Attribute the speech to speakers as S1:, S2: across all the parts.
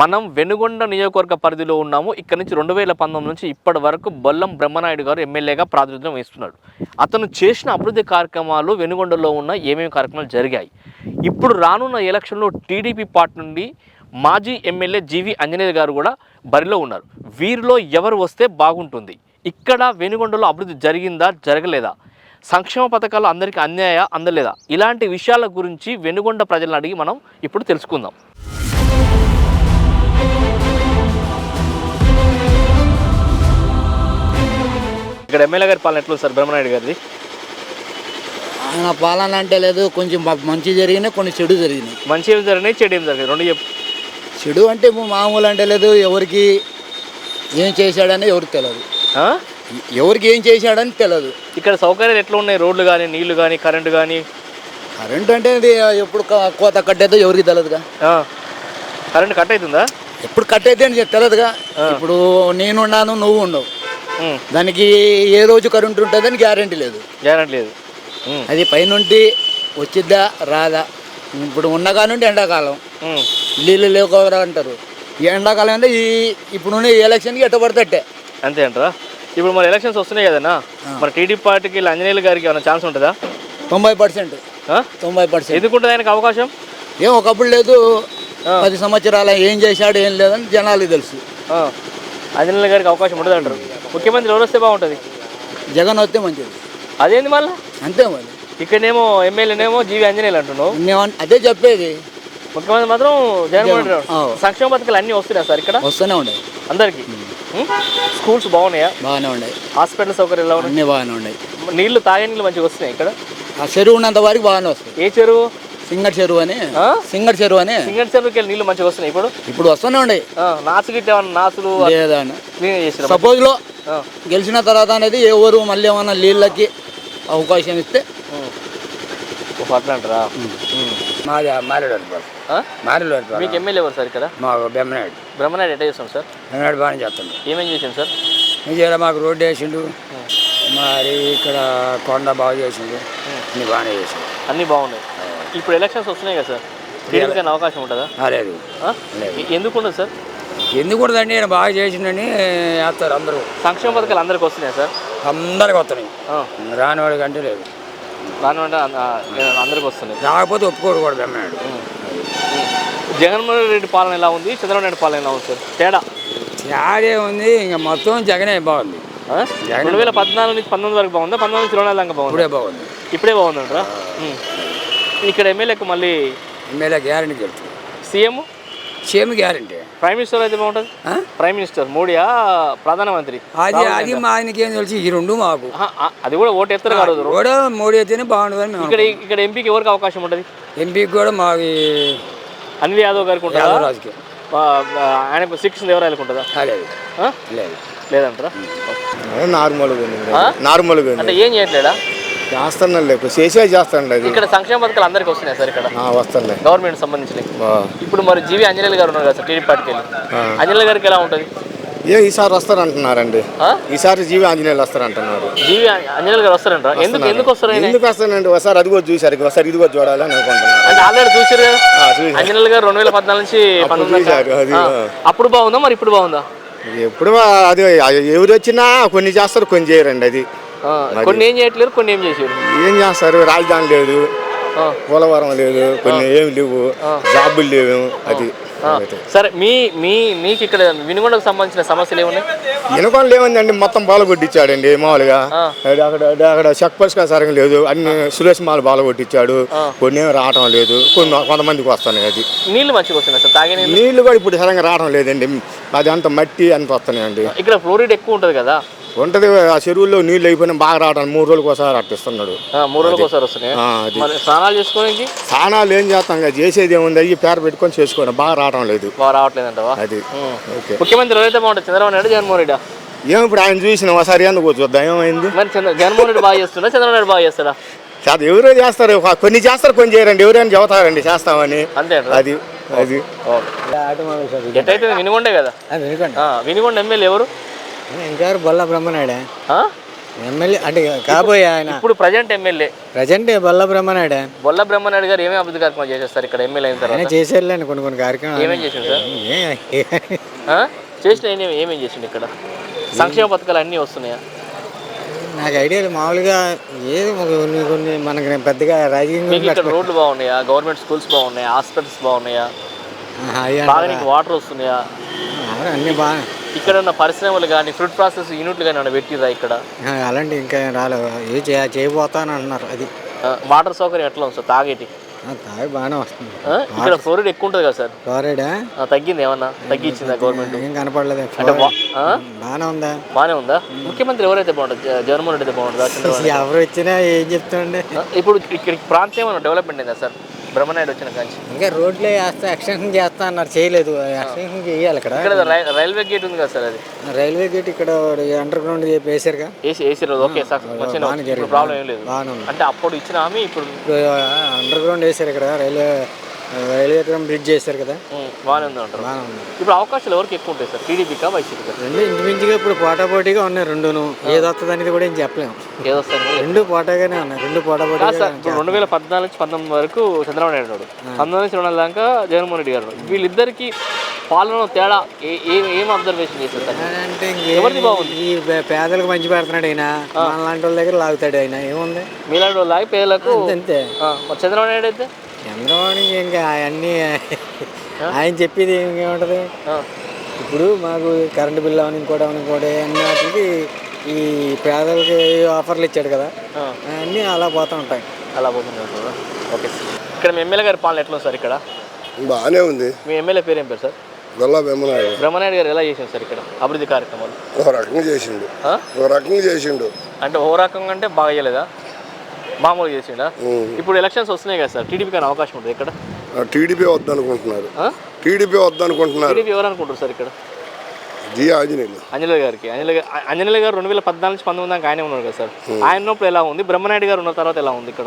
S1: మనం వెనుగొండ నియోజకవర్గ పరిధిలో ఉన్నాము. ఇక్కడ నుంచి 2019 నుంచి ఇప్పటి వరకు బొల్లం బ్రహ్మనాయుడు గారు ఎమ్మెల్యేగా ప్రాతినిధ్యం వహిస్తున్నాడు. అతను చేసిన అభివృద్ధి కార్యక్రమాలు వెనుగొండలో ఉన్న ఏమేమి కార్యక్రమాలు జరిగాయి, ఇప్పుడు రానున్న ఎలక్షన్లో టీడీపీ పార్టీ నుండి మాజీ ఎమ్మెల్యే జీవి ఆంజనేయ గారు కూడా బరిలో ఉన్నారు. వీరిలో ఎవరు వస్తే బాగుంటుంది, ఇక్కడ వెనుగొండలో అభివృద్ధి జరిగిందా జరగలేదా, సంక్షేమ పథకాలు అందరికీ అందలేదా, ఇలాంటి విషయాల గురించి వెనుగొండ ప్రజలను అడిగి మనం ఇప్పుడు తెలుసుకుందాం. ఇక్కడ ఎమ్మెల్యే గారి పాలన ఎట్లా సార్ బ్రహ్మనాయుడు గారిది?
S2: ఆయన పాలన అంటే లేదు, కొంచెం మంచి జరిగినాయి, కొన్ని చెడు జరిగినాయి.
S1: మంచి ఏమి జరిగినాయి, చెడు ఏమి జరిగినాయి, రెండు చెప్పు.
S2: చెడు అంటే మామూలు అంటే లేదు, ఎవరికి ఏం చేశాడని ఎవరికి తెలియదు, ఎవరికి ఏం చేశాడని తెలియదు.
S1: ఇక్కడ సౌకర్యాలు ఎట్లా ఉన్నాయి, రోడ్లు కానీ, నీళ్లు కానీ, కరెంటు కానీ?
S2: కరెంటు అంటే అది ఎప్పుడు కోత కట్టేదో ఎవరికి తెలియదుగా.
S1: కరెంటు కట్ అవుతుందా?
S2: ఎప్పుడు కట్ అయితే అని తెలియదుగా. ఇప్పుడు నేనున్నాను, నువ్వు ఉండవు, దానికి ఏ రోజు కరెంటు ఉంటుందని గ్యారంటీ లేదు. అది పైనుండి వచ్చిద్దా రాదా. ఇప్పుడు ఉన్న కానుండి ఎండాకాలం నీళ్ళు లేకపోవరా అంటారు. ఈ ఎండాకాలం అంటే ఇప్పుడు ఎలక్షన్కి ఎట్ట పడితే
S1: అంతే అంటారా? ఇప్పుడు మన ఎలక్షన్స్ వస్తున్నాయి కదన్నా, మన టీడీపీ పార్టీకి ఆంజనేయులు గారికి ఏమైనా ఛాన్స్ ఉంటుందా?
S2: 90%. 90%.
S1: ఎందుకుంటుంది ఆయనకు అవకాశం?
S2: ఏం ఒకప్పుడు లేదు, 10 సంవత్సరాల ఏం చేశాడు ఏం లేదని జనాలకు తెలుసు.
S1: ఆంజనేయులు గారికి అవకాశం ఉంటుంది అంటారు. ముఖ్యమంత్రి ఎవరు వస్తే బాగుంటుంది?
S2: జగన్ వస్తే మంచిది.
S1: అదేంది మళ్ళీ?
S2: అంతే మరి.
S1: ఇక్కడనేమో ఎమ్మెల్యేనేమో జీవి ఆంజనేయులు అంటున్నావు.
S2: అదే చెప్పేది.
S1: ముఖ్యమంత్రి మాత్రం జగన్మోహన్ రెడ్డి. సంక్షేమ పథకాలు అన్నీ వస్తున్నాయి సార్ ఇక్కడ?
S2: వస్తూనే ఉన్నాయి
S1: అందరికి. స్కూల్స్ బాగున్నాయా?
S2: బాగానే ఉన్నాయి.
S1: హాస్పిటల్ సౌకర్యాలు ఎలా ఉన్నాయి?
S2: అన్నీ బాగానే ఉన్నాయి.
S1: నీళ్లు తాగే నీళ్ళు మంచిగా వస్తున్నాయి ఇక్కడ?
S2: ఆ చెరువు ఉన్నంత వరకు బాగానే వస్తాయి.
S1: ఏ చెరువు?
S2: సింగర్ చెరువు అని. సింగర్ చెరువుకి
S1: నీళ్ళు మంచిగా వస్తున్నాయి
S2: ఇప్పుడు వస్తూనే ఉన్నాయి.
S1: నాసు గిట్ట నాసులు
S2: లేదా
S1: చేసిన
S2: సపోజ్ లో గెలిచిన తర్వాత అనేది ఎవరు మళ్ళీ ఏమన్నా నీళ్ళకి అవకాశం ఇస్తే
S1: అట్లా అంటారా? మీకు ఎమ్మెల్యే ఎవరు సార్ ఇక్కడ?
S2: మాకు బ్రహ్మనాయుడు.
S1: బ్రహ్మనాయుడు ఎట్లా చేస్తాం సార్?
S2: బ్రహ్మనాయుడు బాగానే చేస్తాడు.
S1: ఏమేం చేసాం సార్?
S2: విజయవాడ మాకు రోడ్డు వేసిండు, మరి ఇక్కడ కొండ బాగా చేసిండు, అన్ని బాగానే చేసిండు.
S1: అన్నీ బాగున్నాయి. ఇప్పుడు ఎలక్షన్స్ వస్తున్నాయి కదా సార్, టీడీపీకి అవకాశం ఉంటుందా?
S2: లేదు.
S1: ఎందుకు ఉండదు సార్?
S2: ఎందుకు ఉండదండి, నేను బాగా చేసిండని వేస్తారు అందరూ.
S1: సంక్షేమ పథకాలు అందరికి వస్తున్నాయి సార్?
S2: అందరికి వస్తున్నాయి. రానివాడికి అంటే లేదు,
S1: రానివాడి అందరికి వస్తున్నాయి.
S2: రాకపోతే ఒప్పుకోడు కూడా బ్రహ్మనాయుడు.
S1: జగన్మోహన్ రెడ్డి పాలన ఎలా ఉంది, చంద్రబాబు నాయుడు పాలన ఎలా ఉంది సార్?
S2: తేడా ఉంది. ఇంకా మొత్తం జగనే బాగుంది.
S1: 2014 నుంచి 19 వరకు బాగుందా? 19 నుంచి 24 దాకా బాగుంది. ఇప్పుడే బాగుందంటారా? ఇక్కడ ఎమ్మెల్యేకు మళ్ళీ
S2: ఎమ్మెల్యే గ్యారంటీ చెప్తుంది.
S1: CM
S2: guarantee.
S1: ప్రైమ్ మినిస్టర్ అయితే బాగుంటుంది. ప్రైమ్ మినిస్టర్ మోడీయా, ప్రధానమంత్రి?
S2: అది మా ఆయనకి ఏం తెలిసి ఈ రెండు మాకు.
S1: అది కూడా ఓటు ఎత్తారు కాదు,
S2: కూడా మోడీ అయితేనే బాగుంటుంది.
S1: ఇక్కడ ఎంపీకి ఎవరికి అవకాశం ఉంటుంది?
S2: ఎంపీకి కూడా మాకు
S1: అనిల్ యాదవ్ గారికి ఉంటుందా?
S2: రాజకీయ
S1: ఆయనకు శిక్షణ ఎవరు ఉంటుందా? లేదంటారా?
S3: నార్మల్గా
S1: అంటే ఏం చేయట్లేదా?
S3: చేస్తాను, చేస్తాను.
S1: ఇక్కడ సంక్షేమ పథకాలు అందరికి వస్తున్నాయి సార్? ఇక్కడ
S3: వస్తున్నాయి,
S1: గవర్నమెంట్ సంబంధించినవి. ఇప్పుడు మరి జీవి ఆంజనేయులు గారు ఉన్నారు కదా సార్ టీడీపీ పార్టీకి వెళ్ళి, ఆంజనేయులు గారికి ఎలా ఉంటుంది?
S3: ఈసారి వస్తారంటున్నారండి. ఈసారి జీవి ఆంజనేయులు వస్తారంటున్నారు.
S1: జీవి ఆంజనేయులు గారు వస్తారంటారా? ఎందుకు వస్తారు?
S3: ఎందుకు వస్తానండి, ఒకసారి అది కూడా చూసారు, ఒకసారి ఇది కూడా చూడాలని అనుకుంటున్నాను.
S1: అంటే ఆల్రెడీ చూసారు కదా ఆంజనేయులు గారు 2014 నుంచి 19. అప్పుడు బాగుందా, మరి ఇప్పుడు బాగుందా?
S3: ఎప్పుడు అది ఎవరు వచ్చినా కొన్ని చేస్తారు, కొన్ని చేయరండి. అది
S1: కొన్ని ఏం చేయట్లేరు, కొన్ని ఏం చేశారు.
S3: ఏం చేస్తారు? రాజధాని లేదు, పోలవరం లేదు, కొన్ని ఏమి లేవు, జాబులు లేవు. అది
S1: సరే, మీకు ఇక్కడ వినుగొండకు సంబంధించిన సమస్యలు ఏమున్నాయి?
S3: వినుగొండ లేవండి, మొత్తం బాల కొట్టించాడండి. మామూలుగా అక్కడ చెక్ పరిష్కారం సరిగ్గా లేదు, అన్ని సురేష్ మాల బాల కొట్టించాడు, కొన్ని ఏమి రావటం లేదు, కొంతమందికి వస్తున్నాయి. అది
S1: నీళ్ళు మంచిగా వస్తున్నాయి సార్, తాగే
S3: నీళ్ళు కూడా ఇప్పుడు సరిగ్గా రావడం లేదండి. అది అంత మట్టి అంత వస్తున్నాయండి.
S1: ఇక్కడ ఫ్లోరైడ్ ఎక్కువ ఉంటుంది కదా?
S3: ఉంటది. ఆ చెరువుల్లో నీళ్ళు అయిపోయినా బాగా రావడం 3 రోజులకు ఒకసారి అట్టిస్తున్నాడు.
S1: 3 రోజులకు ఒకసారి వస్తున్నాయి. స్నానాలు చేసుకోవడానికి
S3: స్నానాలు ఏం చేస్తాం, చేసేది ఏముంది, అయ్యి పేరు పెట్టుకొని చేసుకోవడం. బాగా రావడం లేదు.
S1: రావట్లేదంటవా?
S3: అది
S1: ముఖ్యమంత్రి ఎవరైతే బాగుంటుంది, చంద్రబాబు నాయుడు, జగన్మోహన్ రెడ్డి?
S3: ఏం ఇప్పుడు ఆయన చూసిన ఒకసారి ఎందుకు చూద్దాం ఏమైంది.
S1: మరి జగన్మోహన్ రెడ్డి బాగా చేస్తున్నా, చంద్రబాబు నాయుడు బాగా చేస్తాడా?
S3: ఎవరో చేస్తారు, కొన్ని చేస్తారు, కొన్ని చేయరండి. ఎవరైనా చెబుతారండి చేస్తామని.
S1: అంతే.
S3: అది అది
S1: ఎట్టయితే వినుగొండే కదా. వినుగొండ ఎమ్మెల్యే ఎవరు?
S2: ఇంకెవరు? బొల్ల బ్రహ్మనాయుడే. ఎమ్మెల్యే అంటే కాబోయే ఆయన
S1: ఇప్పుడు present MLA
S2: present Bolla Brahmanayudu
S1: Bolla Brahmanayudu garu ఏమేమి అభివృద్ధి కార్యక్రమాలు చేసేస్తారు ఇక్కడ ఎమ్మెల్యే అయిన
S2: ఆయన
S1: తర్వాత?
S2: చేసేళ్ళండి కొన్ని కార్యక్రమాలు
S1: ఏమేం చేసిండు సార్? చేసిన ఏమేం చేసిండు ఇక్కడ? సంక్షేమ పథకాలు అన్నీ వస్తున్నాయా?
S2: నాకు ఐడియా మామూలుగా ఏదో కొన్ని మనకి పెద్దగా
S1: మీకు ఇక్కడ రోడ్లు బాగున్నాయా? గవర్నమెంట్ స్కూల్స్ బాగున్నాయా? హాస్పిటల్స్ బాగున్నాయా? బాగా నీకు వాటర్ వస్తున్నాయా?
S2: అన్నీ బాగా
S1: ఇక్కడ ఉన్న పరిశ్రమలు కానీ ఫ్రూట్ ప్రాసెస్ యూనిట్లు కానీ పెట్టిరా ఇక్కడ?
S2: అలాంటి ఇంకా రాలేదు, ఏ చేయబోతాను అంటున్నారు. అది
S1: వాటర్ సౌకర్యం ఎట్లా ఉంది సార్? తాగేటి
S2: తాగి బాగానే వస్తుంది.
S1: ఇక్కడ ఫ్లోరైడ్ ఎక్కువ ఉంటుంది కదా సార్?
S2: ఫ్లోరైడా
S1: తగ్గింది, ఏమన్నా తగ్గించిందా గవర్నమెంట్?
S2: ఏం కనపడలేదు.
S1: అంటే
S2: బాగానే ఉందా?
S1: బాగానే ఉందా? ముఖ్యమంత్రి ఎవరైతే బాగుంటుంది? జగన్మోహన్ రెడ్డి అయితే బాగుంటుందా?
S2: ఎవరు వచ్చినా ఏం చెప్తాండి.
S1: ఇప్పుడు ఇక్కడ ప్రాంతం ఏమైనా డెవలప్మెంట్ అయిందా సార్ బ్రహ్మనాయుడు వచ్చిన కాంచి?
S2: ఇంకా రోడ్లే వేస్తా ఎక్స్టెన్షన్ చేస్తా అన్నారు, చేయలేదు. ఎక్స్టెన్షన్ చేయాలి. ఇక్కడ
S1: రైల్వే గేట్ ఉంది కదా సార్? అది
S2: రైల్వే గేట్ ఇక్కడ అండర్ గ్రౌండ్ వేసారుగా.
S1: వేసి రోజు ఓకే సార్, ప్రాబ్లం ఏం లేదు.
S2: బాగానే ఉంది.
S1: అంటే అప్పుడు ఇచ్చిన హామీ ఇప్పుడు
S2: అండర్ గ్రౌండ్ వేసారు ఇక్కడ, రైల్వే బ్రిడ్జ్ చేశారు కదా,
S1: బాగానే ఉంది అంటారు.
S2: బాగానే ఉంది.
S1: ఇప్పుడు అవకాశాలు ఎవరికి ఎక్కువ ఉంటాయి సార్? టీడీపీకా వైసీపీకా?
S2: రెండు ఇంచుమించుగా ఇప్పుడు పోటాపోటీగా ఉన్నాయి రెండును. ఏది వస్తుంది అనేది కూడా ఏం చెప్పలేము.
S1: ఏదొస్తుంది?
S2: రెండు పోటాగానే ఉన్నాయి, రెండు పోటాపోటీ.
S1: ఇప్పుడు 2014 నుంచి 19 వరకు చంద్రబాబు నాయుడు ఉన్నాడు, 19 నుంచి 20 దాకా జగన్మోహన్ రెడ్డి గారు. వీళ్ళిద్దరికి పాలన తేడా ఏం అబ్జర్వేషన్ చేశారు సార్?
S2: అంటే
S1: ఎవరిది బాగుంది?
S2: ఈ పేదలకు మంచి పెడుతున్నాడు ఆయన, మనలాంటి వాళ్ళ దగ్గర లాగుతాడు ఆయన. ఏముంది,
S1: మీలాంటి వాళ్ళు లాగి పేదలకు
S2: అంతే.
S1: చంద్రబాబు నాయుడు అయితే
S2: చంద్రబాబు ఇంకా అన్నీ ఆయన చెప్పేది ఏముంటుంది. ఇప్పుడు మాకు కరెంటు బిల్లు అవని ఇంకోటి అన్నిటికి ఈ పేదలకి ఆఫర్లు ఇచ్చాడు కదా, అన్నీ అలా పోతూ ఉంటాయి.
S1: అలా పోతుంది. ఓకే సార్, ఇక్కడ మీ ఎమ్మెల్యే గారి పాలన ఎట్లా ఉంది సార్? ఇక్కడ
S4: బాగానే ఉంది.
S1: మీ ఎమ్మెల్యే పేరు ఏం పేరు సార్?
S4: గొల్ల బ్రహ్మనాయుడు.
S1: బ్రహ్మనాయుడు గారు ఎలా చేసిండు సార్ ఇక్కడ అభివృద్ధి కార్యక్రమాలు?
S4: ఒక రకంగా చేసిండు.
S1: అంటే ఓ రకంగా అంటే బాగా చేయలేదా, మామూలుగా చేసిండా? ఇప్పుడు ఎలక్షన్స్ వస్తున్నాయి కదా సార్, టీడీపీ కానీ అవకాశం ఉంటుంది ఇక్కడ?
S4: టీడీపీ వద్దనుకుంటున్నారు. టీడీపీ
S1: ఎవరు అనుకుంటారు సార్ ఇక్కడ?
S4: ఆంజనేయులు
S1: గారికి. ఆంజనేయులు గారు 2014 నుంచి 19 దాకా ఆయనే ఉన్నారు కదా సార్. ఆయన ఉన్నప్పుడు ఎలా ఉంది? బ్రహ్మనాయుడు గారు ఉన్న తర్వాత ఎలా ఉంది ఇక్కడ?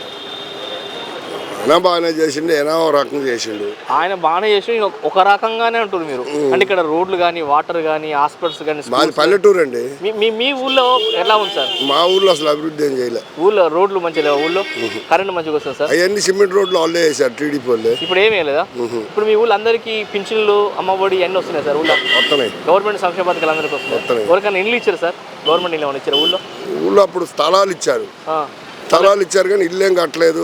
S4: ఆయన బాగానే చేసిండు, ఏనా ఒక రకంగా చేసిండు.
S1: ఆయన బాగానే చేసి ఒక రకంగానే ఉంటుంది మీరు. అంటే ఇక్కడ రోడ్లు కానీ వాటర్ కానీ హాస్పిటల్స్ కానీ.
S4: మాది పల్లెటూరు అండి.
S1: మీ ఊళ్ళో ఎలా ఉంది సార్?
S4: మా ఊళ్ళో అసలు అభివృద్ధి ఏం చేయలేదు.
S1: ఊళ్ళో రోడ్లు మంచిగా లేవు, ఊళ్ళో కరెంట్ మంచిగా వస్తుంది సార్?
S4: అవన్నీ సిమెంట్ రోడ్లు వాళ్ళే వేసారు, టీడీపీ వాళ్ళే.
S1: ఇప్పుడు ఏమీ లేదా? ఇప్పుడు మీ ఊళ్ళో అందరికీ పింఛన్లు అమ్మఒడి అన్నీ వస్తున్నాయి సార్? ఊళ్ళో
S4: వస్తున్నాయి.
S1: గవర్నమెంట్ సంక్షేమ పథకాలు అందరికీ వస్తున్నాయి. ఎవరికైనా ఇండ్లు ఇచ్చారు సార్? గవర్నమెంట్ ఇల్లు ఏమైనా ఇచ్చారు ఊళ్ళో?
S4: అప్పుడు స్థలాలు ఇచ్చారు కానీ ఇల్లేం కట్టలేదు.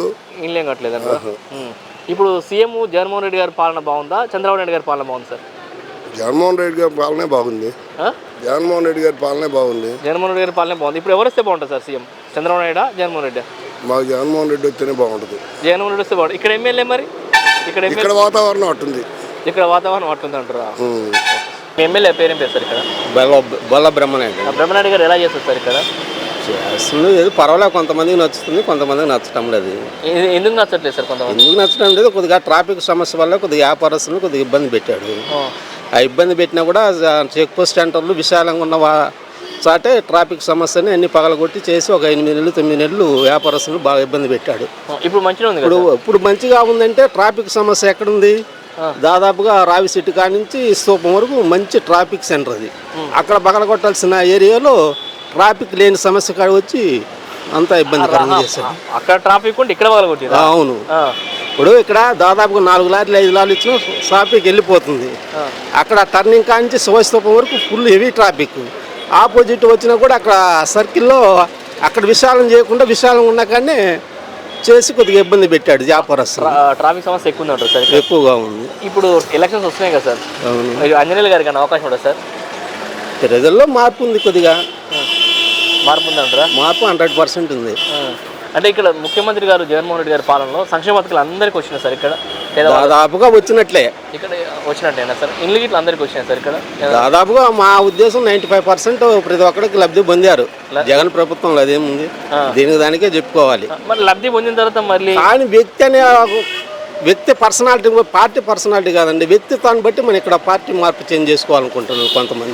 S1: ఇప్పుడు సీఎం జగన్మోహన్ రెడ్డి గారి పాలన బాగుందా, చంద్రబాబు నాయుడు గారి పాలన బాగుంది సార్?
S4: జగన్మోహన్ రెడ్డి గారి పాలనే బాగుంది. జగన్మోహన్ రెడ్డి గారి పాలనే బాగుంది.
S1: ఇప్పుడు ఎవరు వస్తే బాగుంటుంది సార్ సీఎం? చంద్రబాబు నాయుడు, జగన్మోహన్ రెడ్డి?
S4: మాకు జగన్మోహన్ రెడ్డి వస్తేనే బాగుంటుంది.
S1: జగన్మోహన్ రెడ్డి వస్తే బాగుంటుంది. ఇక్కడ ఎమ్మెల్యే మరి?
S4: ఇక్కడ వాతావరణం అట్టుంది.
S1: ఇక్కడ వాతావరణం అట్టుంది అంటారా? మీ ఎమ్మెల్యే పేరేం పేరు సార్ ఇక్కడ?
S2: బొల్ల బ్రహ్మనాయుడు.
S1: బ్రహ్మనాయుడు గారు ఎలా చేస్తారు సార్ ఇక్కడ?
S2: చేస్తుంది ఏదో పర్వాలేదు, కొంతమందికి నచ్చుతుంది, కొంతమందికి నచ్చటం లేదు.
S1: ఎందుకు నచ్చట్లేదు సార్? కొంతమంది
S2: ఎందుకు నచ్చడం లేదు, కొద్దిగా ట్రాఫిక్ సమస్య వల్ల కొద్దిగా వ్యాపారస్తులను కొద్దిగా ఇబ్బంది పెట్టాడు. ఆ ఇబ్బంది పెట్టినా కూడా చెక్ పోస్ట్ సెంటర్లు విశాలంగా ఉన్న చాటే ట్రాఫిక్ సమస్యని అన్ని పగలగొట్టి చేసి ఒక 8 నెలలు 9 నెలలు వ్యాపారస్తులు బాగా ఇబ్బంది పెట్టాడు.
S1: ఇప్పుడు మంచిగా ఉంది.
S2: ఇప్పుడు మంచిగా ఉందంటే ట్రాఫిక్ సమస్య ఎక్కడుంది? దాదాపుగా రావిశెట్టి కాడి నుంచి స్తూపం వరకు మంచి ట్రాఫిక్ సెంటర్ అది. అక్కడ పగలగొట్టాల్సిన ఏరియాలో ట్రాఫిక్ లేని సమస్య కాడ వచ్చి అంతా ఇబ్బందికరంగా చేశారు.
S1: అక్కడ ట్రాఫిక్ ఉంటే ఇక్కడ
S2: అవును. ఇప్పుడు ఇక్కడ దాదాపుగా 4 లారీలు 5 లారీలు ఇచ్చిన ట్రాఫిక్ వెళ్ళిపోతుంది. అక్కడ టర్నింగ్ కాంచి శివస్తూపం వరకు ఫుల్ హెవీ ట్రాఫిక్. ఆపోజిట్ వచ్చినా కూడా అక్కడ సర్కిల్లో అక్కడ విశాలం చేయకుండా విశాలంగా ఉన్న కానీ చేసి కొద్దిగా ఇబ్బంది పెట్టాడు వ్యాపారస్తులు.
S1: ట్రాఫిక్ సమస్య ఎక్కువ ఉందంటారు సార్?
S2: ఎక్కువగా ఉంది.
S1: ఇప్పుడు ఎలక్షన్స్ వస్తున్నాయి కదా సార్, ఆంజనేయులు గారికి అవకాశం ఉంటుంది సార్?
S2: ప్రజల్లో మార్పు ఉంది, కొద్దిగా
S1: మార్పు ఉందంటారా?
S2: మార్పు 100% ఉంది.
S1: అంటే ఇక్కడ ముఖ్యమంత్రి గారు జగన్మోహన్ రెడ్డి గారి పాలనలో సంక్షేమ పథకాలు అందరికీ వచ్చినాయి సార్ ఇక్కడ?
S2: దాదాపుగా వచ్చినట్లే.
S1: ఇక్కడ వచ్చినట్టేనా సార్? ఇండ్లు గిట్ల అందరికీ వచ్చినాయి సార్ ఇక్కడ?
S2: దాదాపుగా మా ఉద్దేశం 95% ప్రతి ఒక్కరికి లబ్ధి పొందారు జగన్ ప్రభుత్వంలో. అదేముంది, దీనికి దానికే చెప్పుకోవాలి.
S1: మరి లబ్ధి పొందిన తర్వాత మళ్ళీ
S2: కానీ వ్యక్తి పర్సనాలిటీ, పార్టీ పర్సనాలిటీ కాదండి, వ్యక్తిత్వాన్ని బట్టి మనం ఇక్కడ పార్టీ మార్పు చేంజ్ చేసుకోవాలనుకుంటున్నాం కొంతమంది.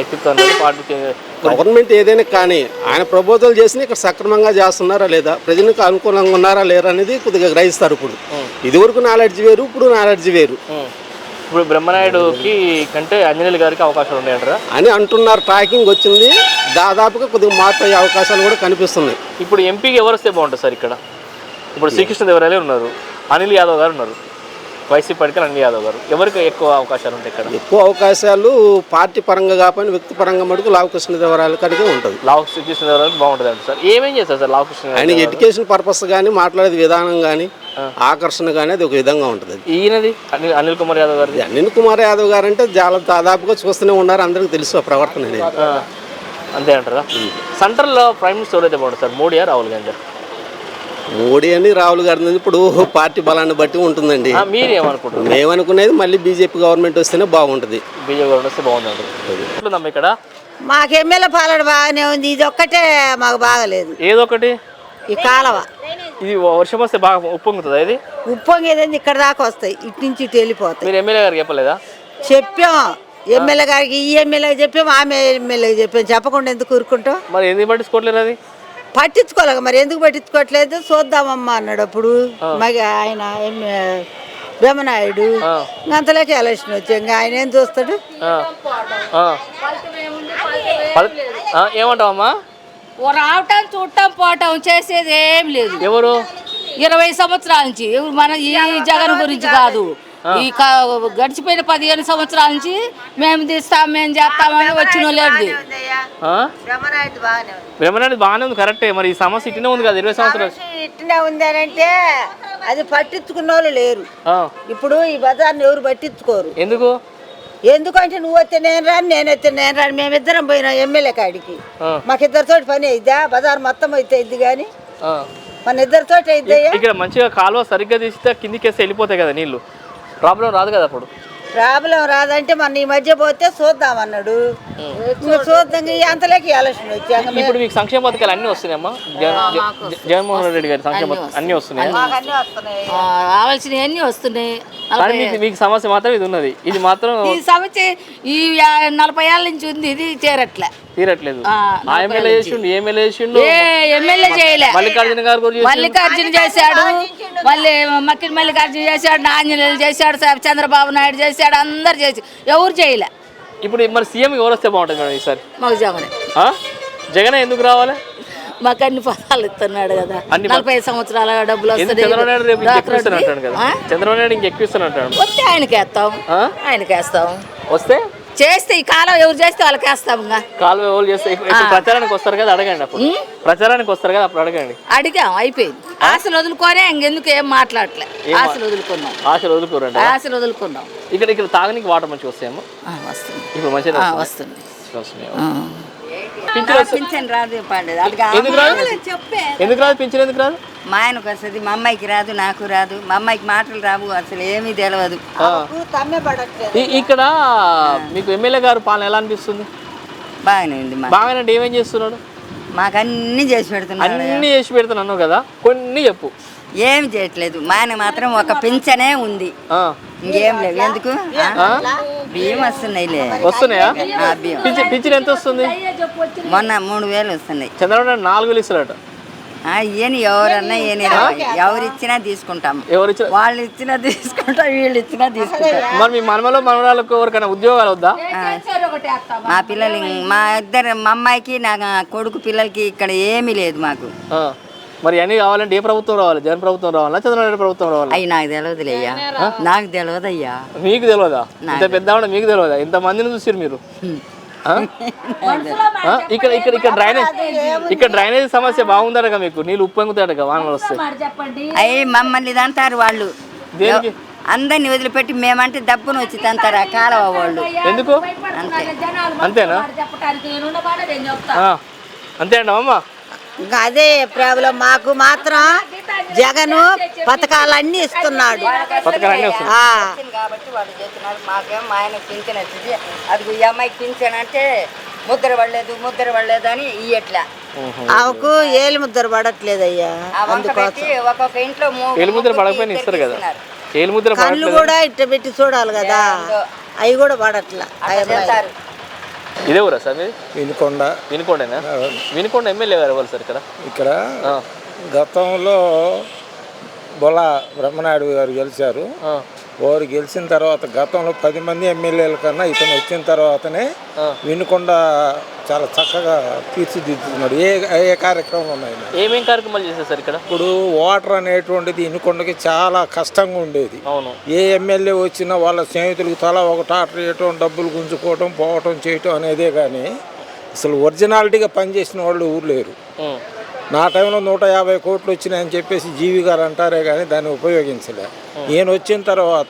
S2: గవర్నమెంట్ ఏదైనా కానీ ఆయన ప్రపోజల్ చేసి ఇక్కడ సక్రమంగా చేస్తున్నారా లేదా, ప్రజలకు అనుకూలంగా ఉన్నారా లేరా అనేది కొద్దిగా గ్రహిస్తారు. ఇప్పుడు ఇదివరకు నాలెడ్జ్ వేరు, ఇప్పుడు నాలెడ్జ్ వేరు.
S1: ఇప్పుడు బ్రహ్మనాయుడుకి కంటే ఆంజనేయులు గారికి అవకాశాలు ఉన్నాయంటారా?
S5: అని అంటున్నారు. ట్రాకింగ్ వచ్చింది, దాదాపుగా కొద్దిగా మార్పు అయ్యే అవకాశాలు కూడా కనిపిస్తున్నాయి.
S1: ఇప్పుడు ఎంపీకి ఎవరు వస్తే బాగుంటుంది సార్ ఇక్కడ? ఇప్పుడు శ్రీకృష్ణదేవరాయలు ఉన్నారు, అనిల్ యాదవ్ గారు ఉన్నారు, వైసీపీ పార్టీకి అనిల్ యాదవ్ గారు. ఎవరికి ఎక్కువ అవకాశాలు ఉంటాయి ఇక్కడ?
S5: ఎక్కువ అవకాశాలు పార్టీ పరంగా కాకపోయినా వ్యక్తి పరంగా మటుకు లావు కృష్ణదేవరాయల కాడికే ఉంటుంది.
S1: లావు శ్రీకృష్ణదేవరాయలు బాగుంటుంది అంటే సార్ ఏమేం చేస్తారు సార్ లావు కృష్ణ?
S5: ఆయన ఎడ్యుకేషన్ పర్పస్ కానీ మాట్లాడేది విధానం కానీ ఆకర్షణ కానీ అది ఒక విధంగా ఉంటుంది.
S1: ఈయనది అనిల్ కుమార్ యాదవ్ గారు.
S5: అనిల్ కుమార్ యాదవ్ గారు అంటే చాలా దాదాపుగా చూస్తూనే ఉన్నారు, అందరికీ తెలుసు ఆ ప్రవర్తన అనేది.
S1: అంతే అంటారా? సెంట్రల్లో ప్రైమ్ మినిస్టర్ ఎవరైతే బాగుంటుంది సార్, మోడీయా రాహుల్ గాంధీ?
S5: మోడీ అని రాహుల్ గారి ఇప్పుడు పార్టీ బలాన్ని బట్టి ఉంటుందండి.
S1: మీరేమనుకుంటున్నారు?
S5: మేమనుకునేది మళ్ళీ బీజేపీ గవర్నమెంట్ వస్తేనే బాగుంటుంది.
S1: బీజేపీ గవర్నమెంట్ వస్తే బాగుందండి. ఇక్కడ
S6: మాకు ఎమ్మెల్యే పాలన బాగానే ఉంది, ఇది ఒక్కటే మాకు బాగలేదు.
S1: ఏదొకటి?
S6: ఈ కాలవ
S1: ఇది వర్షం వస్తే బాగా ఉప్పొంగుతుందా? ఇది
S6: ఉప్పొంగేదండి, ఇక్కడ దాకా వస్తాయి, ఇటు నుంచి ఇటు వెళ్ళిపోతాయి.
S1: మీరు ఎమ్మెల్యే గారికి చెప్పలేదా?
S6: చెప్పాం ఎమ్మెల్యే గారికి, ఈ ఎమ్మెల్యేకి చెప్పాము, ఆమె ఎమ్మెల్యేకి చెప్పాము. చెప్పకుండా ఎందుకు ఊరుకుంటాం?
S1: మరి ఎందుకు పట్టించుకోవట్లేదు? అది
S6: పట్టించుకోలేక మరి ఎందుకు పట్టించుకోవట్లేదు చూద్దామమ్మా అన్నాడు అప్పుడు. మరి ఆయన బ్రహ్మనాయుడు అంతలోకి ఎలక్షన్ వచ్చాయి, ఇంకా ఆయన ఏం చూస్తాడు?
S1: ఏమంటావమ్మా?
S7: రావటం చూడటం పోవటం చేసేది ఏం లేదు.
S1: ఎవరు
S7: 20 సంవత్సరాల నుంచి మన ఈ జగన్ గురించి కాదు, ఈ గడిచిపోయిన 15 సంవత్సరాల నుంచి మేము తీస్తాం మేము చేస్తామని వచ్చిన లేదు.
S1: బ్రహ్మనాయుడు బాగానే ఉంది, కరెక్టే. మరి ఈ సమస్య ఇట్లనే ఉంది కదా 20 సంవత్సరాలు
S6: ఇట్లనే ఉంది అని అంటే అది పట్టించుకున్న వాళ్ళు లేరు. ఇప్పుడు ఈ బజార్ని ఎవరు పట్టించుకోరు.
S1: ఎందుకు?
S6: ఎందుకంటే నువ్వు వస్తే నేను రాను, నేను వస్తే నేను రాను. మేమిద్దరం పోయినా ఎమ్మెల్యే కాడికి, మాకిద్దరితో పని అయిద్దా? బజార్ మొత్తం అయితే ఇద్ది కానీ మన ఇద్దరితో అయిద్దయ్యా.
S1: ఇక్కడ మంచిగా కాలువ సరిగ్గా తీస్తే కిందికేస్తే వెళ్ళిపోతాయి కదా నీళ్లు, ప్రాబ్లం రాదు కదా అప్పుడు.
S6: ప్రాబ్లం రాదంటే మన ఈ మధ్య పోతే చూద్దాం అన్నాడు, చూద్దాం. అంతలోకి ఎలక్షన్ వచ్చాక
S1: ఇప్పుడు మీకు సంక్షేమ పథకాలు అన్నీ వస్తున్నాయమ్మా? జగన్మోహన్ రెడ్డి గారి సంక్షేమ పథకాలు అన్నీ వస్తున్నాయి,
S7: కావాల్సినవి అన్నీ వస్తున్నాయి.
S1: మీకు సమస్య మాత్రం ఇది ఉన్నది, ఇది మాత్రం
S7: ఈ సమస్య ఈ 40 ఏళ్ళ నుంచి ఉంది, ఇది
S1: తీరట్లేదు. ఎమ్మెల్యే
S7: చేయలే.
S1: మల్లికార్జున గారు
S7: మల్లికార్జున చేశాడు, మళ్ళీ మల్లికార్జున చేశాడు, ఆంజనేయులు చేశాడు, చంద్రబాబు నాయుడు చేశాడు, అందరు చేసి ఎవరు చేయలే.
S1: ఇప్పుడు మరి సీఎం ఎవరు వస్తే బాగుంటుంది మేడం ఈసారి?
S7: మాకు జగనే.
S1: జగనే ఎందుకు రావాలి?
S7: మాకు అన్ని పదాలు ఇస్తున్నాడు కదా, 45 సంవత్సరాల డబ్బులు వస్తాయి.
S1: చంద్రబాబు నాయుడు ఇంకెక్కువ ఇస్తానంటాడు.
S7: వస్తే ఆయనకేస్తాం, ఆయనకేస్తాం.
S1: వస్తే
S7: చేస్తే ఈ కాలం ఎవరు చేస్తే వాళ్ళకి వేస్తాం.
S1: కాలువ ఎవరు చేస్తే ప్రచారానికి వస్తారు కదా, అడగండి. అప్పుడు ప్రచారానికి వస్తారు కదా, అప్పుడు అడగండి.
S7: అడిగాం, అయిపోయింది. ఆశలు వదులుకోనే ఇంకెందుకు ఏం మాట్లాడలే. ఆశలు వదులుకున్నాం, ఆశలు వదులుకున్నాం.
S1: ఇక్కడ తాగడానికి వాటర్ మంచిగా వస్తాయేమో.
S7: వస్తుంది
S1: ఇప్పుడు మంచిగా
S7: వస్తుంది.
S6: పింఛన్ రాదు.
S1: ఎందుకు రాదు? ఎందుకు రాదు పింఛన్? ఎందుకు రాదు?
S6: మా ఆయనకు వస్తుంది, మా అమ్మాయికి రాదు, నాకు రాదు. మా అమ్మాయికి మాటలు రావు, అసలు ఏమీ తెలియదు.
S1: ఇక్కడ మీకు ఎమ్మెల్యే గారు పాలన ఎలా అనిపిస్తుంది?
S6: బాగానే ఉంది.
S1: బాగానే అంటే ఏమేం చేస్తున్నాడు?
S6: మాకు అన్ని చేసి పెడుతున్నాడు.
S1: అన్ని చేసి పెడుతున్నాను కదా, కొన్ని చెప్పు.
S6: ఏమి చేయట్లేదు. మా ఆయన మాత్రం ఒక పింఛనే ఉంది, ఇంకేం లేవు. ఎందుకు? బియ్యం
S1: వస్తున్నాయా? పింఛన్ ఎంత వస్తుంది?
S6: మొన్న 3000 వస్తున్నాయి.
S1: చంద్రబాబు నాయుడు 4000 ఇస్తారట.
S6: ఈయన ఎవరన్నా ఎవరు ఇచ్చినా తీసుకుంటాం, వాళ్ళు ఇచ్చినా తీసుకుంటాం, వీళ్ళు ఇచ్చినా తీసుకుంటాం.
S1: మరి మీ మనమలో మనవరాలకు ఎవరికైనా ఉద్యోగాలు వద్దా?
S6: మా పిల్లలు మా అమ్మాయికి నా కొడుకు పిల్లలకి ఇక్కడ ఏమీ లేదు మాకు.
S1: మరి అన్ని కావాలంటే ఏ ప్రభుత్వం రావాలి? జగన్ ప్రభుత్వం రావాలా, చంద్రబాబు ప్రభుత్వం రావాలి?
S6: అయ్యి నాకు తెలియదులేయ్యా, నాకు తెలియదయ్యా.
S1: మీకు తెలియదా? ఇంత పెద్ద మీకు తెలియదా? ఇంత మందిని చూసారు మీరు. ఇక్కడ డ్రైనేజ్ సమస్య బాగుందట మీకు, నీళ్ళు ఉప్పొంగుతాయట వానలు వస్తాయి.
S6: అయ్యి మమ్మల్ని తంటారు వాళ్ళు, అందరిని వదిలిపెట్టి మేమంటే దబ్బును వచ్చి తంటారు ఆ కాలవ వాళ్ళు.
S1: ఎందుకు? అంతేనా? అంతే అండి అమ్మ.
S6: ఇంకా అదే ప్రాబ్లం. మాకు మాత్రం జగను పథకాలన్నీ ఇస్తున్నాడు
S1: కాబట్టి వాళ్ళు
S6: చేస్తున్నారు. మాకేం మా ఆయనకు పింఛన్ వచ్చింది, అది ఈ అమ్మాయికి పింఛన్ అంటే ముద్ర పడలేదు అని ఇయ్యట్లా. ఆమెకు ఏలు ముద్ర పడట్లేదయ్యా. ఒక్కొక్క ఇంట్లో
S1: ఏలు ముద్ర పడకపోయినా ఇస్తారు కదా. ఏలు ముద్ర
S6: కళ్ళు కూడా ఇట్ట పెట్టి చూడాలి కదా, అవి కూడా పడట్లా.
S1: ఇదే ఊరా సార్ మీరు?
S8: వినుకొండేనా?
S1: వినుకొండ ఎమ్మెల్యే గారు ఎవరు సార్
S8: ఇక్కడ గతంలో బొల్ల బ్రహ్మనాయుడు గారు గెలిచారు. వారు గెలిచిన తర్వాత గతంలో 10 మంది ఎమ్మెల్యేల కన్నా ఇతను వచ్చిన తర్వాతనే వినుకొండ చాలా చక్కగా తీర్చిదిద్దుతున్నాడు. ఏ కార్యక్రమం ఉన్నాయి,
S1: ఏమేం కార్యక్రమాలు చేశారు సార్ ఇక్కడ?
S8: ఇప్పుడు వాటర్ అనేటువంటిది వినుకొండకి చాలా కష్టంగా ఉండేది.
S1: అవును.
S8: ఏ ఎమ్మెల్యే వచ్చినా వాళ్ళ స్నేహితులకు తలా ఒక టాటర్ వేయటం, డబ్బులు గుంజుకోవటం, పోవటం చేయటం అనేదే కానీ అసలు ఒరిజినాలిటీగా పనిచేసిన వాళ్ళు ఊరు లేరు. నా టైంలో 150 కోట్లు వచ్చినాయని చెప్పేసి జీవి గారు అంటారే కానీ దాన్ని ఉపయోగించలే. ఈయన వచ్చిన తర్వాత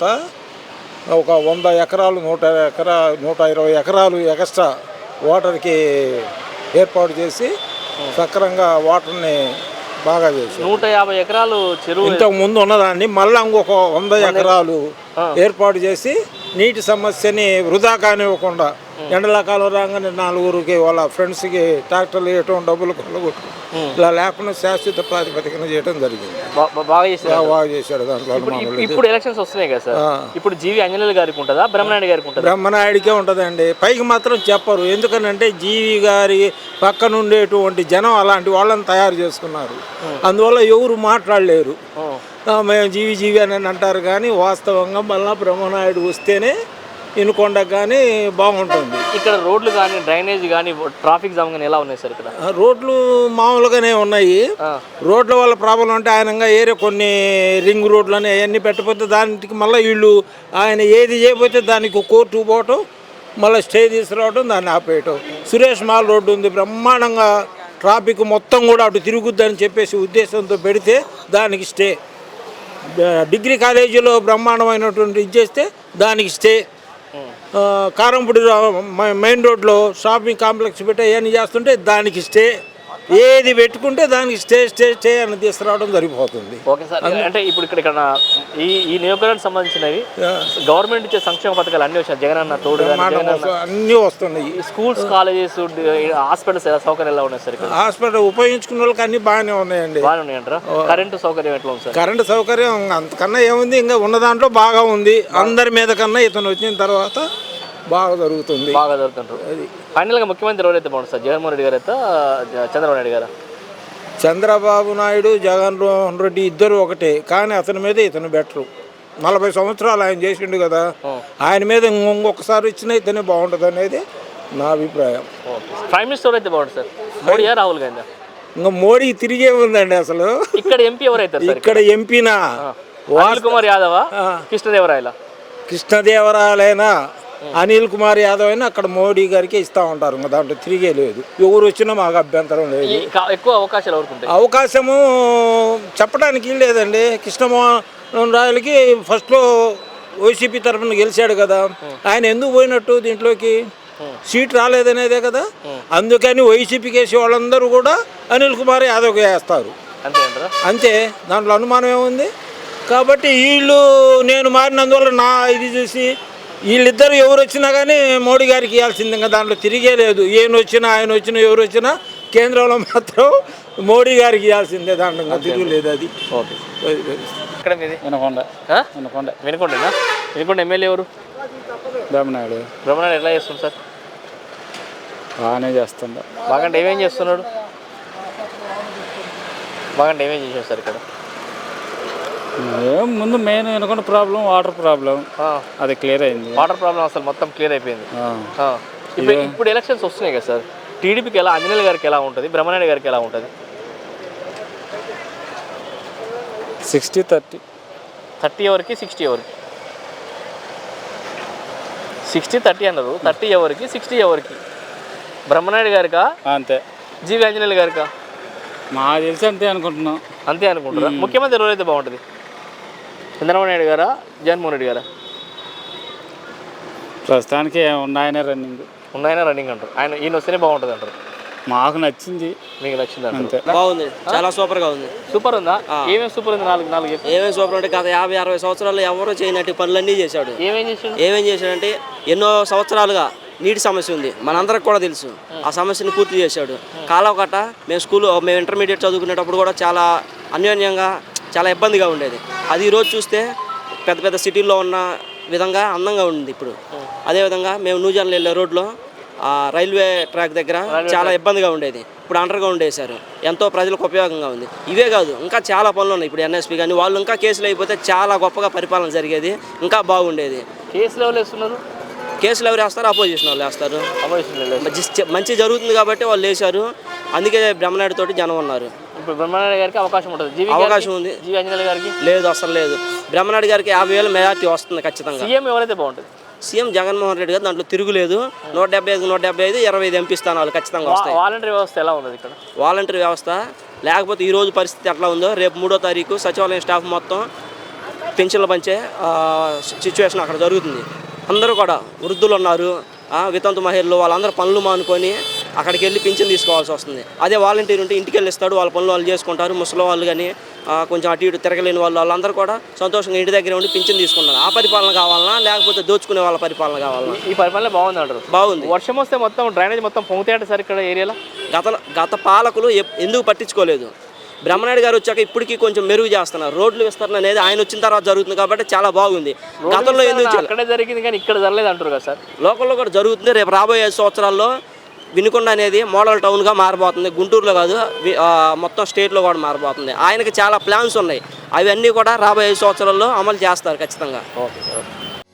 S8: ఒక 100 ఎకరాలు 120 ఎకరాలు ఎక్స్ట్రా వాటర్కి ఏర్పాటు చేసి సక్రంగా వాటర్ని బాగా చేసి
S1: 150 ఎకరాలు చెరువు
S8: ఇంతకు ముందు ఉన్నదాన్ని మళ్ళీ ఇంకొక 100 ఎకరాలు ఏర్పాటు చేసి నీటి సమస్యని వృధా కానివ్వకుండా ఎండలకాలం రాగానే 4 వాళ్ళ ఫ్రెండ్స్కి ట్రాక్టర్లు వేయటం, డబ్బులు కొల్లగొట్టు ఇలా లేకుండా శాశ్వత ప్రాతిపదికన చేయడం జరిగింది. బాగా చేశాడు. దాంట్లో
S1: ఇప్పుడు ఎలక్షన్స్ వస్తున్నాయి కదా సార్, ఇప్పుడు జీవి ఆంజనేయులు గారికి ఉంటుందా, బ్రహ్మనాయుడు గారికి ఉంటుందా?
S8: బ్రహ్మనాయుడికే ఉంటుందండి. పైకి మాత్రం చెప్పరు. ఎందుకనంటే జీవి గారి పక్కన ఉండేటువంటి జనం అలాంటి వాళ్ళని తయారు చేసుకున్నారు. అందువల్ల ఎవరు మాట్లాడలేరు. మేము జీవి అని అంటారు కానీ వాస్తవంగా మళ్ళీ బ్రహ్మనాయుడు వస్తేనే వినుకొండకు కానీ బాగుంటుంది.
S1: ఇక్కడ రోడ్లు కానీ, డ్రైనేజ్ కానీ, ట్రాఫిక్ జామ్ కానీ ఎలా ఉన్నాయి సార్? ఇక్కడ
S8: రోడ్లు మామూలుగానే ఉన్నాయి. రోడ్ల వల్ల ప్రాబ్లం అంటే ఆయన ఏరియా కొన్ని రింగ్ రోడ్లు అని అవన్నీ పెట్టకపోతే దానికి మళ్ళీ వీళ్ళు ఆయన ఏది చేయకపోతే దానికి కోర్టు పోవటం, మళ్ళీ స్టే తీసుకురావడం, దాన్ని ఆపేయటం. సురేష్ మాల్ రోడ్డు ఉంది, బ్రహ్మాండంగా ట్రాఫిక్ మొత్తం కూడా అటు తిరుగుద్దని చెప్పేసి ఉద్దేశంతో పెడితే దానికి స్టే. డిగ్రీ కాలేజీలో బ్రహ్మాండమైనటువంటి ఇది చేస్తే దానికి స్టే. కారంపూడి మెయిన్ రోడ్లో షాపింగ్ కాంప్లెక్స్ పెట్టి అవన్నీ చేస్తుంటే దానికి స్టే. ఏది పెట్టుకుంటే దానికి స్టే అని తీసుకురావడం సరిపోతుంది.
S1: Okay sir. అంటే ఇప్పుడు ఇక్కడ ఈ నియోజకవర్గానికి సంబంధించినవి గవర్నమెంట్ ఇచ్చే సంక్షేమ పథకాలు అన్నీ వచ్చాయి. జగన్ అన్న తోడు
S8: అన్నీ వస్తున్నాయి.
S1: స్కూల్స్, కాలేజెస్, హాస్పిటల్స్ సౌకర్యాలు ఎలా ఉన్నాయి సార్?
S8: హాస్పిటల్ ఉపయోగించుకున్న వాళ్ళకి అన్ని బాగానే ఉన్నాయండి.
S1: బాగానే ఉన్నాయంటారా? కరెంటు సౌకర్యం ఎట్లా ఉంది సార్?
S8: కరెంటు సౌకర్యం అంతకన్నా ఏముంది, ఇంకా ఉన్న దాంట్లో బాగా ఉంది. అందరి మీద కన్నా ఇతను వచ్చిన తర్వాత బాగా జరుగుతుంది.
S1: అది ఫైనల్గా ముఖ్యమంత్రి ఎవరైతే బాగుంటుంది సార్? జగన్మోహన్ రెడ్డి గారు అయితే చంద్రబాబు నాయుడు గారు?
S8: చంద్రబాబు నాయుడు, జగన్మోహన్ రెడ్డి ఇద్దరు ఒకటే, కానీ అతని మీద ఇతను బెటరు. 40 సంవత్సరాలు ఆయన చేసిండు కదా, ఆయన మీద ఇంకొకసారి ఇచ్చినా ఇతనే బాగుంటుంది అనేది నా అభిప్రాయం.
S1: ప్రైమ్ మినిస్టర్ అయితే బాగుంటుంది సార్? మోడీయా, రాహుల్ గాంధీ?
S8: ఇంకా మోడీ తిరిగే ఉందండి. అసలు
S1: ఇక్కడ ఎంపీ ఎవరైతే?
S8: ఇక్కడ ఎంపీనా
S1: అనిల్ కుమార్ యాదవ్,
S8: కృష్ణదేవరాయలైనా అనిల్ కుమార్ యాదవ్ అయినా అక్కడ మోడీ గారికి ఇస్తూ ఉంటారు. ఇంకా దాంట్లో తిరిగే లేదు. ఎవరు వచ్చినా మాకు అభ్యంతరం లేదు.
S1: ఎక్కువ అవకాశాలు ఎవరుకుంటాయి?
S8: అవకాశము చెప్పడానికి లేదండి. కృష్ణమోహన్ రాయలకి ఫస్ట్లో వైసీపీ తరఫున గెలిచాడు కదా, ఆయన ఎందుకు పోయినట్టు దీంట్లోకి? సీట్ రాలేదనేదే కదా. అందుకని వైసీపీకి వేసే వాళ్ళందరూ కూడా అనిల్ కుమార్ యాదవ్కి వేస్తారు. అంతే, దాంట్లో అనుమానం ఏముంది? కాబట్టి వీళ్ళు నేను మారినందువల్ల నా ఇది చూసి వీళ్ళిద్దరు ఎవరు వచ్చినా కానీ మోడీ గారికి ఇవ్వాల్సింది. ఇంకా దాంట్లో తిరిగే లేదు. ఆయన వచ్చినా ఎవరు వచ్చినా కేంద్రంలో మాత్రం మోడీ గారికి ఇవ్వాల్సిందే. దాంట్లో ఇంకా తిరుగులేదు. అది
S1: ఓకే. ఇక్కడ మీది వినుకొండ ఎమ్మెల్యే ఎవరు?
S8: బ్రహ్మనాయుడు.
S1: బ్రహ్మనాయుడు ఎట్లా చేస్తుంది సార్?
S8: బాగానే చేస్తుందా?
S1: బాగంటే ఏమేం చేస్తున్నాడు? బాగంటే ఏమేం చేసాడు సార్ ఇక్కడ?
S9: ముందు మెయిన్ అనుకున్న ప్రాబ్లం వాటర్ ప్రాబ్లం, అది క్లియర్ అయింది.
S1: వాటర్ ప్రాబ్లం అసలు మొత్తం క్లియర్ అయిపోయింది. ఇప్పుడు ఎలక్షన్స్ వస్తున్నాయి కదా సార్, టీడీపీకి ఎలా, ఆంజనేయులు గారికి ఎలా ఉంటుంది, బ్రహ్మనాయుడు గారికి ఎలా ఉంటుంది?
S9: 60-30.
S1: 30 ఎవరికి, 60 ఎవరికి? 60-30 అన్నారు. 30 ఎవరికి, 60 ఎవరికి? బ్రహ్మనాయుడు గారికా?
S9: అంతే.
S1: జీవి ఆంజనేయులు గారికా?
S9: మాకు తెలిసి అంతే అనుకుంటున్నాం.
S1: అంతే అనుకుంటారా? ముఖ్యమంత్రి ఎవరైతే బాగుంటుంది? చంద్రబాబు నాయుడు గారా, జగన్మోహన్ రెడ్డి గారా?
S9: ప్రస్తుతానికి ఉన్నాయనే రన్నింగ్
S1: అంటారు. ఈయన వస్తేనే బాగుంటుంది అంటారు.
S9: మాకు నచ్చింది.
S1: మీకు నచ్చింది
S9: అంతే.
S5: బాగుంది, చాలా సూపర్గా ఉంది.
S1: సూపర్ ఉందా? ఏమేమి సూపర్ ఉంది? నాలుగు
S5: ఏమేమి సూపర్ అంటే గత 50-60 సంవత్సరాలు ఎవరో చేయనట్టు పనులన్నీ చేశాడు. ఏమేం చేశాడంటే ఎన్నో సంవత్సరాలుగా నీటి సమస్య ఉంది, మనందరికి కూడా తెలుసు. ఆ సమస్యను పూర్తి చేశాడు. కాలువ కట్ట మేము ఇంటర్మీడియట్ చదువుకునేటప్పుడు కూడా చాలా అన్యోన్యంగా చాలా ఇబ్బందిగా ఉండేది. అది ఈరోజు చూస్తే పెద్ద పెద్ద సిటీల్లో ఉన్న విధంగా అందంగా ఉంది ఇప్పుడు. అదేవిధంగా మేము నూజాన్లు వెళ్ళే రోడ్లో రైల్వే ట్రాక్ దగ్గర చాలా ఇబ్బందిగా ఉండేది. ఇప్పుడు అండర్ గ్రౌండ్ వేశారు, ఎంతో ప్రజలకు ఉపయోగంగా ఉంది. ఇవే కాదు ఇంకా చాలా పనులు ఉన్నాయి. ఇప్పుడు ఎన్ఎస్పి కానీ వాళ్ళు ఇంకా కేసులు అయిపోతే చాలా గొప్పగా పరిపాలన జరిగేది, ఇంకా బాగుండేది.
S1: కేసులు ఎవరు వేస్తున్నారు?
S5: కేసులు ఎవరు వేస్తారు? అపోజిషన్ వాళ్ళు వేస్తారు. మంచి జరుగుతుంది కాబట్టి వాళ్ళు వేశారు. అందుకే బ్రహ్మనాయుడు తోటి జనం ఉన్నారు.
S1: ఇప్పుడు బ్రహ్మనాయుడు గారికి అవకాశం ఉంటుంది,
S5: అవకాశం ఉంది.
S1: జీవి ఆంజనేయులు గారికి
S5: లేదు, అసలు లేదు. బ్రహ్మనాయుడు గారికి 50,000 మెజార్టీ వస్తుంది ఖచ్చితంగా.
S1: సీఎం ఎవరైతే బాగుంటుంది?
S5: సీఎం జగన్మోహన్ రెడ్డి గారు, దాంట్లో తిరుగులేదు. 175, 175, 25 ఎంపీ స్థానాలు ఖచ్చితంగా వస్తాయి.
S1: వాలంటరీ వ్యవస్థ ఎలా ఉన్నది ఇక్కడ?
S5: వాలంటరీ వ్యవస్థ లేకపోతే ఈ రోజు పరిస్థితి ఎట్లా ఉందో, రేపు 3వ తారీఖు సచివాలయం స్టాఫ్ మొత్తం పెన్షన్లు పంచే సిచ్యువేషన్ అక్కడ జరుగుతుంది. అందరూ కూడా వృద్ధులు ఉన్నారు, వితంతు మహిళలు, వాళ్ళందరూ పనులు మానుకొని అక్కడికి వెళ్ళి పింఛన్ తీసుకోవాల్సి వస్తుంది. అదే వాలంటీర్ ఉంటే ఇంటికి వెళ్ళి ఇస్తాడు, వాళ్ళ పనులు వాళ్ళు చేసుకుంటారు. ముసలి వాళ్ళు కానీ కొంచెం అటు ఇటు తిరగలేని వాళ్ళందరూ కూడా సంతోషంగా ఇంటి దగ్గర ఉండి పింఛన్ తీసుకుంటారు. ఆ పరిపాలన కావాలన్నా లేకపోతే దోచుకునే వాళ్ళ పరిపాలన కావాలన్నా?
S1: ఈ పరిపాలన బాగుంది అంటారు.
S5: బాగుంది.
S1: వర్షం వస్తే మొత్తం డ్రైనేజ్ మొత్తం పొంగుతాయంట సార్ ఇక్కడ ఏరియాలో.
S5: గత పాలకులు ఎందుకు పట్టించుకోలేదు? బ్రహ్మనాయుడు గారు వచ్చాక ఇప్పటికీ కొంచెం మెరుగు చేస్తున్నారు. రోడ్లు విస్తరణ అనేది ఆయన వచ్చిన తర్వాత జరుగుతుంది కాబట్టి చాలా బాగుంది. గతంలో ఎందుకు
S1: అక్కడే జరిగింది కానీ ఇక్కడ జరగలేదు అంటారు కదా సార్?
S5: లోకల్లో కూడా జరుగుతుంది. రేపు రాబోయే 5 సంవత్సరాల్లో వినుకొండ అనేది మోడల్ టౌన్గా మారబోతుంది. గుంటూరులో కాదు, మొత్తం స్టేట్లో కూడా మారబోతుంది. ఆయనకి చాలా ప్లాన్స్ ఉన్నాయి, అవన్నీ కూడా రాబోయే 5 సంవత్సరాల్లో అమలు చేస్తారు ఖచ్చితంగా.
S1: Okay sir.